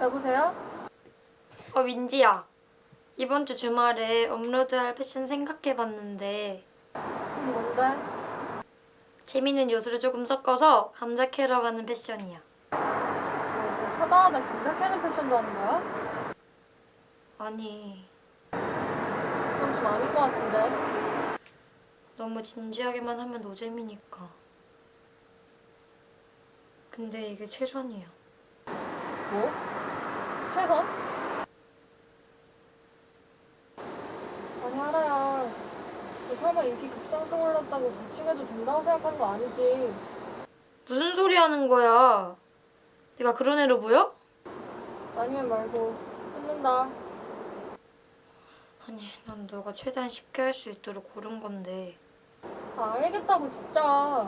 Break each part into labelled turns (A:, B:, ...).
A: 여보세요?
B: 민지야. 이번 주 주말에 업로드할 패션 생각해봤는데
A: 뭔데?
B: 재밌는 요소를 조금 섞어서 감자 캐러 가는 패션이야.
A: 뭐 이제 하다 하다 감자 캐는 패션도 하는 거야?
B: 아니,
A: 그건 좀 아닌 것 같은데.
B: 너무 진지하게만 하면 노잼이니까. 근데 이게 최선이야.
A: 뭐? 최선? 아니 하라야. 너 설마 인기 급상승 올랐다고 자칭해도 된다고 생각하는 거 아니지?
B: 무슨 소리 하는 거야? 내가 그런 애로 보여?
A: 아니면 말고 끊는다.
B: 아니, 난 너가 최대한 쉽게 할 수 있도록 고른 건데.
A: 아 알겠다고 진짜.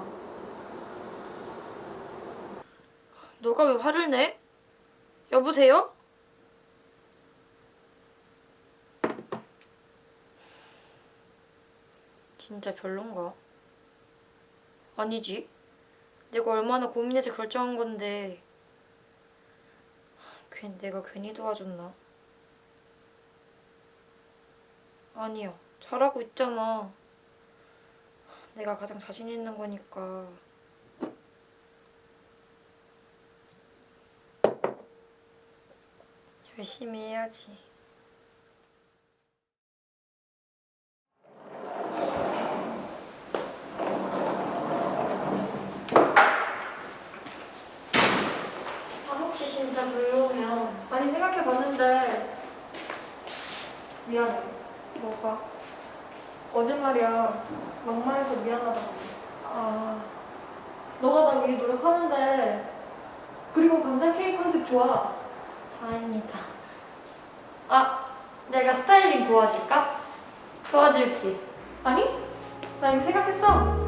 B: 너가 왜 화를 내? 여보세요? 진짜 별론가? 아니지. 내가 얼마나 고민해서 결정한 건데 내가 괜히 도와줬나? 아니야. 잘하고 있잖아. 내가 가장 자신 있는 거니까. 열심히 해야지. 혹시 진짜 별로면
A: 아니 생각해봤는데 미안해.
B: 뭐가?
A: 어제 말이야 막말해서 미안하다고. 너가 나 위해 노력하는데. 그리고 감자 케이크 컨셉 좋아.
B: 다행이다. 내가 스타일링 도와줄까? 도와줄게.
A: 아니? 나 이미 생각했어.